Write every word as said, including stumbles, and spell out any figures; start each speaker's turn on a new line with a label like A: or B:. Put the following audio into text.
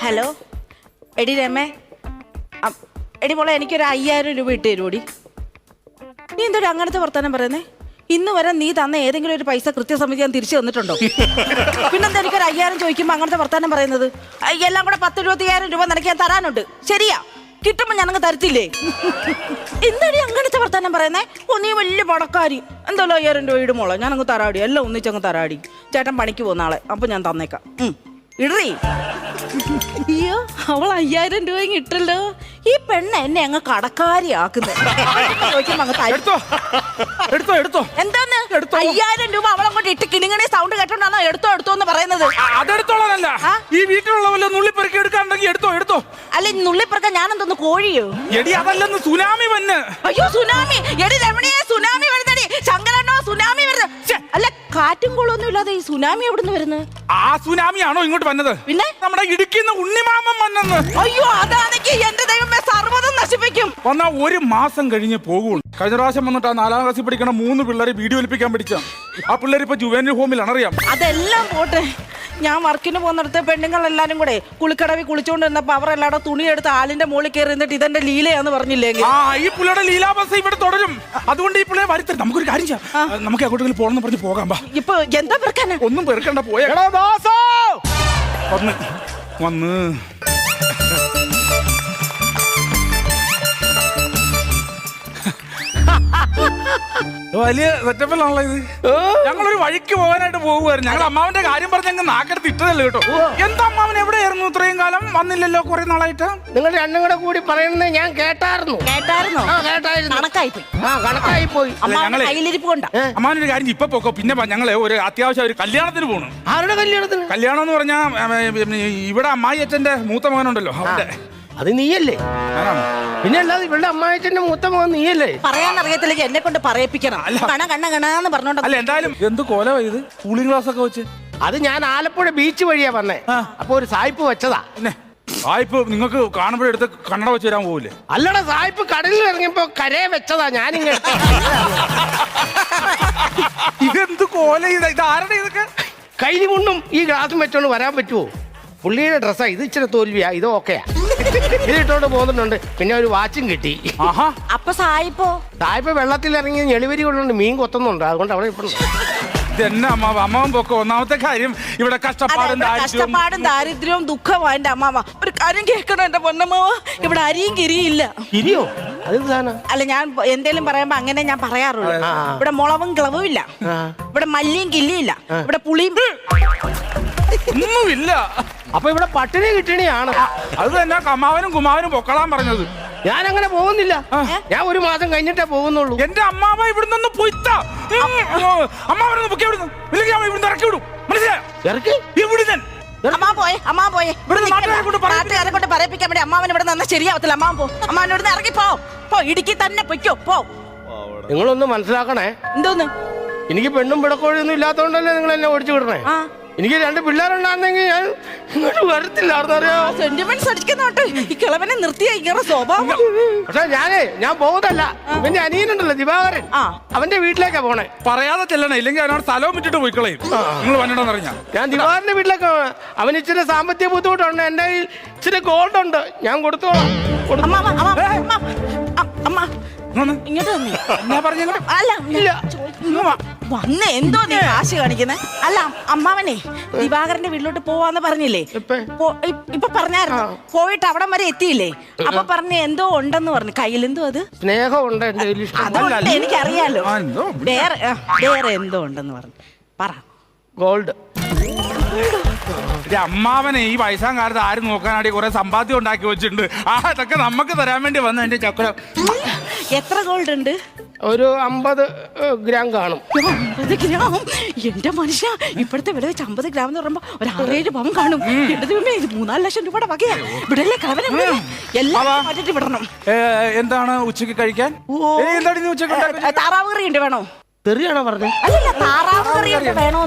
A: Hello എടി രമേ, എടി മോളെ എനിക്കൊരു അയ്യായിരം രൂപ ഇട്ട് തരുമോടി? നീ എന്തൊരു അങ്ങനത്തെ വർത്തമാനം പറയുന്നേ? ഇന്ന് വരെ നീ തന്ന ഏതെങ്കിലും ഒരു പൈസ കൃത്യസമിതി ഞാൻ തിരിച്ചു തന്നിട്ടുണ്ടോ? പിന്നെന്താ എനിക്കൊരു അയ്യായിരം ചോദിക്കുമ്പോൾ അങ്ങനത്തെ വർത്തമാനം പറയുന്നത്? എല്ലാം കൂടെ പത്ത് ഇരുപത്തിയായിരം രൂപ നിനക്ക് ഞാൻ തരാനുണ്ട്, ശരിയാ? കിട്ടുമ്പോ ഞാനങ്ങ് തരത്തില്ലേ? എന്താടി അങ്ങനത്തെ വർത്തമാനം പറയുന്നേ? ഓ നീ വലിയ പണക്കാരി, എന്തായാലും അയ്യായിരം രൂപ ഇടുമോളോ, ഞാനങ്ങ് തരാടി, എല്ലാം ഒന്നിച്ചങ്ങ് തരാടി. ചേട്ടൻ പണിക്ക് പോകുന്ന ആളെ, അപ്പൊ ഞാൻ തന്നേക്കാം. ഇടറി. അയ്യോ, അവൾ അയ്യായിരം രൂപ ഇട്ടല്ലോ. ഈ പെണ്ണ് എന്നെ അങ്ങ് കടക്കാരിയാക്കുന്നത്. എന്താന്ന് അയ്യായിരം രൂപ അവളങ്ങോട്ട് ഇട്ട് കിണിങ്ങണി സൗണ്ട് കേട്ടോണ്ടാണോ എടുത്തോ എടുത്തോ എന്ന് പറയുന്നത്?
B: അതെടുത്തോളാനല്ല, ഈ വീട്ടിലുള്ള വല്ല നുള്ളിപ്പെറുക്കി എടുക്കാണ്ടെങ്കിൽ എടുത്തോ എടുത്തോ.
A: അല്ല നുള്ളിപ്പെറുക്കാൻ ഞാനെന്തോന്ന് കോഴിയോ?
B: എടി അതല്ലെന്ന് സുനാമി വന്ന്.
A: അയ്യോ സുനാമി, എടി രമണിയെ സുനാമി വരുന്നടി. ശങ്കരണ്ണോ സുനാമി വരുന്നത്? അല്ല കാറ്റും കോളൊന്നും ഇല്ലാതെ ഈ സുനാമി എവിടുന്ന് വരുന്നത്?
B: ആ സുനാമിയാണോ ഇങ്ങോട്ട് വന്നത്?
A: പിന്നെ
B: നമ്മുടെ ഇടുക്കിന്ന് ഉണ്ണിമാമൻ വന്നെന്ന്.
A: അയ്യോ അതാണെങ്കിൽ എന്റെ ദൈവമേ സർവ്വതും നശിപ്പിക്കും.
B: വന്നാ ഒരു മാസം കഴിഞ്ഞ് പോകുള്ളൂ. കഴിഞ്ഞ പ്രാവശ്യം വന്നിട്ട് ആ നാലാം ക്ലാസ്സിൽ പഠിക്കണ മൂന്ന് പിള്ളേരെ വീഡിയോ ഒലിപ്പിക്കാൻ പഠിച്ച ആ പിള്ളേർ ഇപ്പൊ ജുവനൽ ഹോമിലാണ്, അറിയാം.
A: അതെല്ലാം പോട്ടെ, ഞാൻ വർക്കിന് പോകുന്നിടത്ത് പെണ്ണുങ്ങൾ എല്ലാരും കൂടെ കുളിക്കടവി കുളിച്ചോണ്ടിരുന്നപ്പോ അവർ എല്ലാവരും തുണിയെടുത്ത് ആലിന്റെ മുകളിൽ കയറി നിന്നിട്ട് ഇതെന്റെ ലീലയാന്ന് പറഞ്ഞില്ലേ?
B: ആ ഈ പുള്ളിയുടെ ലീലാവസ്ഥ ഇവിടെ തുടരും. അതുകൊണ്ട് ഈ പിള്ളേരെ വരുത്തരുത്. നമുക്കൊരു കാര്യം ചെയ്യാം, നമുക്ക് എങ്ങോട്ടെങ്കിലും പോകണമെന്ന് പറഞ്ഞ് പോകാം.
A: ഇപ്പൊ എന്താ പെറുക്കാനാ?
B: ഒന്നും പെറുക്കണ്ട, പോയ വന്ന് വന്ന് വലിയ സെറ്റപ്പിലാണല്ലോ ഇത്. ഞങ്ങളൊരു വഴിക്ക് പോകാനായിട്ട് പോകുമായിരുന്നു. ഞങ്ങൾ അമ്മാവന്റെ കാര്യം പറഞ്ഞ് ഞങ്ങൾ നാക്കെടുത്ത് ഇട്ടതല്ലേ കേട്ടോ. എന്താ അമ്മാവൻ എവിടെയായിരുന്നു ഇത്രയും കാലം? വന്നില്ലല്ലോ കുറെ നാളായിട്ട്.
C: നിങ്ങൾ രണ്ടും കൂടെ കൂടി പറയുന്നത് ഞാൻ കേട്ടായിരുന്നു.
A: കേട്ടായിരുന്നോ?
C: ആ കേട്ടായിരുന്നു.
A: കണക്കായി പോയി.
C: ആ കണക്കായി പോയി.
A: കയ്യിലിരിപ്പ് കൊണ്ടാ.
B: അമ്മാവനൊരു കാര്യം ഇപ്പൊ പോക്കോ, പിന്നെ ഞങ്ങള് ഒരു അത്യാവശ്യം ഒരു കല്യാണത്തിന് പോകണം.
C: ആരുടെ കല്യാണത്തിന്?
B: കല്യാണം എന്ന് പറഞ്ഞാ ഇവിടെ അമ്മായി അച്ഛന്റെ മൂത്ത മകനുണ്ടല്ലോ അവന്റെ.
C: അത് നീയല്ലേ? പിന്നെ അല്ലാതെ ഇവളുടെ അമ്മായിച്ചന്റെ മൂത്ത മകൻ നീയല്ലേ?
A: പറയാൻ അറിയത്തില്ലെങ്കിൽ എന്നെ കൊണ്ട് പറയിപ്പിക്കണം. കണ കണ്ണ കണാന്ന് പറഞ്ഞോണ്ട്.
B: അല്ല എന്തായാലും എന്ത് കോല ഇത് കൂളിംഗ് ഗ്ലാസ് ഒക്കെ വെച്ച്.
C: അത് ഞാൻ ആലപ്പുഴ ബീച്ച് വഴിയാ വന്നേ. അപ്പൊ ഒരു സായിപ്പ് വെച്ചതാ.
B: പിന്നെ സായിപ്പ് നിങ്ങൾക്ക് കാണുമ്പോഴെടുത്ത് കണ്ണട വെച്ച് തരാൻ പോവില്ലേ?
C: അല്ലടാ, സായിപ്പ് കടലിൽ ഇറങ്ങിയപ്പോ കരയെ വെച്ചതാ. ഞാനിങ്ങനെ
B: ഇതെന്ത് കോല ഇത്? ഇത് ആരുടെ ഇതൊക്കെ?
C: കൈലി മുണ്ടും ഈ ഗ്ലാസും വെച്ചോണ്ട് വരാൻ പറ്റുമോ? പുള്ളിയുടെ ഡ്രസ്സാ ഇത്. ഇച്ചിരി തോൽവിയാ, ഇത് ഓക്കെയാ. ഇത് ഇട്ടോണ്ട് പോകുന്നുണ്ട്. പിന്നെ ഒരു വാച്ചും കിട്ടി.
A: അപ്പൊ സായിപ്പോ
C: സായിപ്പ് വെള്ളത്തിൽ ഇറങ്ങി ഞെളിവരി കൊണ്ടുണ്ട് മീൻ കൊത്തുന്നുണ്ട്. അതുകൊണ്ട് അവിടെ ഇപ്പൊ
B: ഇതെന്നെ അമ്മാവ അമ്മാവൻ പൊക്കോ. ഒന്നാമത്തെ കാര്യം ഇവിടെ കഷ്ടപ്പാടും
A: കഷ്ടപ്പാടും ദാരിദ്ര്യവും ദുഃഖവും എന്റെ അമ്മാവ. ഒരു കാര്യം കേൾക്കണം എന്റെ പൊന്നമ്മാവ, ഇവിടെ അരിയും കിരിയില്ല.
C: കിരിയോ?
A: അല്ല ഞാൻ എന്തേലും പറയുമ്പോ അങ്ങനെ ഞാൻ പറയാറുള്ളൂ. ഇവിടെ മുളവും ഗ്ലവും ഇല്ല, ഇവിടെ മല്ലിയും കില്ലിയില്ല, ഇവിടെ പുളിയും
B: ഒന്നുമില്ല.
C: അപ്പൊ ഇവിടെ പട്ടിണി കിട്ടണിയാണ്.
B: അത് തന്നെ അമ്മാവനും കുമാവനും പൊക്കളാൻ പറഞ്ഞത്.
C: ഞാൻ അങ്ങനെ പോകുന്നില്ല. ഞാൻ ഒരു മാസം കഴിഞ്ഞിട്ടേ പോകുന്നുള്ളൂ.
B: എന്റെ അമ്മാവ ഇവിടുന്ന് പൊയ്ത്ത അമ്മാവനൊന്ന് പൊക്കി ഇവിടുന്ന്, ഇല്ലെങ്കിൽ അവൻ ഇവിടുന്ന് ഇറക്കി വിടും. മനസ്സിലായോ?
C: ഇറക്കി
B: ഇവിടുന്ന്
A: അമ്മാ പോയെ അമ്മാ പോയെ നാട്ടുകാരെ കൊണ്ട് പറയിപ്പിക്കാൻ വേണ്ടി അമ്മാവൻ ഇവിടെ നിന്ന് ശരിയാവത്തില്ല. അമ്മാവൻ പോ, അമ്മാവൻ ഇവിടുന്ന് ഇറങ്ങി പോ. പോ, ഇടുക്കി തന്നെ പൊയ്ക്കോ പോ.
C: നിങ്ങളൊന്ന് മനസ്സിലാക്കണേ.
A: എന്തോന്ന്?
C: എനിക്ക് പെണ്ണും പിടക്കോഴൊന്നും ഇല്ലാത്തോണ്ടല്ലേ നിങ്ങൾ എന്നെ ഓടിച്ചു വിടണേ. എനിക്ക് രണ്ട് പിള്ളേരുണ്ടായിരുന്നെങ്കിൽ ഞാൻ ഇങ്ങോട്ട് വരത്തില്ലാർന്നറിയോ.
A: സെന്റിമെന്റ്സ് അടിക്കുന്നോട്ട് ഈ കിളവനെ നിർത്തിയ ഇങ്ങനെ സ്വഭാവം.
C: പക്ഷെ ഞാനേ ഞാൻ പോകുന്നല്ല. ഇവന്റെ അനിയനുണ്ടല്ലോ ദിവാകരൻ, അവന്റെ വീട്ടിലേക്കാ പോണേ.
B: പറയാതെ ചെല്ലണേ, ഇല്ലെങ്കിൽ അവനോട് സ്ഥലവും വിട്ടിട്ട് പോയി കളയും. നിങ്ങൾ വന്നിട്ടെന്ന് പറഞ്ഞാ ഞാൻ
C: ദിവാകരന്റെ വീട്ടിലേക്ക്. അവന് ഇച്ചിരി സാമ്പത്തിക ബുദ്ധിമുട്ടുണ്ട്. എന്റെ കയ്യിൽ ഇച്ചിരി ഗോൾഡ് ഉണ്ട്, ഞാൻ കൊടുത്തോളാം.
A: ഇങ്ങോട്ട് അല്ല വന്ന് എന്തോ നീ കാശ് കാണിക്കുന്നേ? അല്ല അമ്മാവനെ ദിവാകരന്റെ വീട്ടിലോട്ട് പോവാന്ന് പറഞ്ഞില്ലേ? ഇപ്പൊ പറഞ്ഞായിരുന്നു. പോയിട്ട് അവിടം വരെ എത്തിയില്ലേ? അപ്പൊ പറഞ്ഞ എന്തോ ഉണ്ടെന്ന് പറഞ്ഞു. കയ്യിലെന്തോ അത്
C: സ്നേഹമുണ്ട്.
A: അതുകൊണ്ട് എനിക്കറിയാലോ. വേറെ വേറെ എന്തോ ഉണ്ടെന്ന് പറഞ്ഞു. പറ.
C: ഗോൾഡ്.
B: അമ്മാവനെ ഈ വയസ്സാം കാലത്ത് ആരും നോക്കാനായിട്ട് കുറെ സമ്പാദ്യം ഉണ്ടാക്കി വെച്ചിട്ടുണ്ട്. ആ അതൊക്കെ നമുക്ക് തരാൻ വേണ്ടി വന്ന എന്റെ ചക്രം.
A: എത്ര ഗോൾഡ് ഉണ്ട്?
C: ഒരു അമ്പത് ഗ്രാം കാണും.
A: അമ്പത് ഗ്രാം? എന്റെ മനുഷ്യ, ഇപ്പോഴത്തെ വില വെച്ച് അമ്പത് ഗ്രാം എന്ന് പറയുമ്പോ ഒരു ആറേഴ് പവൻ കാണും. എന്റെ ദൈവമേ, ഇത് മൂന്നാല് ലക്ഷം രൂപയുടെ വകയാ. ഇവിടെയല്ലേ കളവനെ എല്ലാം മാറ്റിട്ട് വിടണം.
B: എന്താണ് ഉച്ചക്ക് കഴിക്കാൻ? എന്താണ് ഉച്ചക്ക്?
A: താറാവ് കറി ഉണ്ട്, വേണോ?
C: തെറിയാണോ പറഞ്ഞത്?
A: അല്ലല്ല, താറാവ് കറി ഉണ്ട്, വേണോ?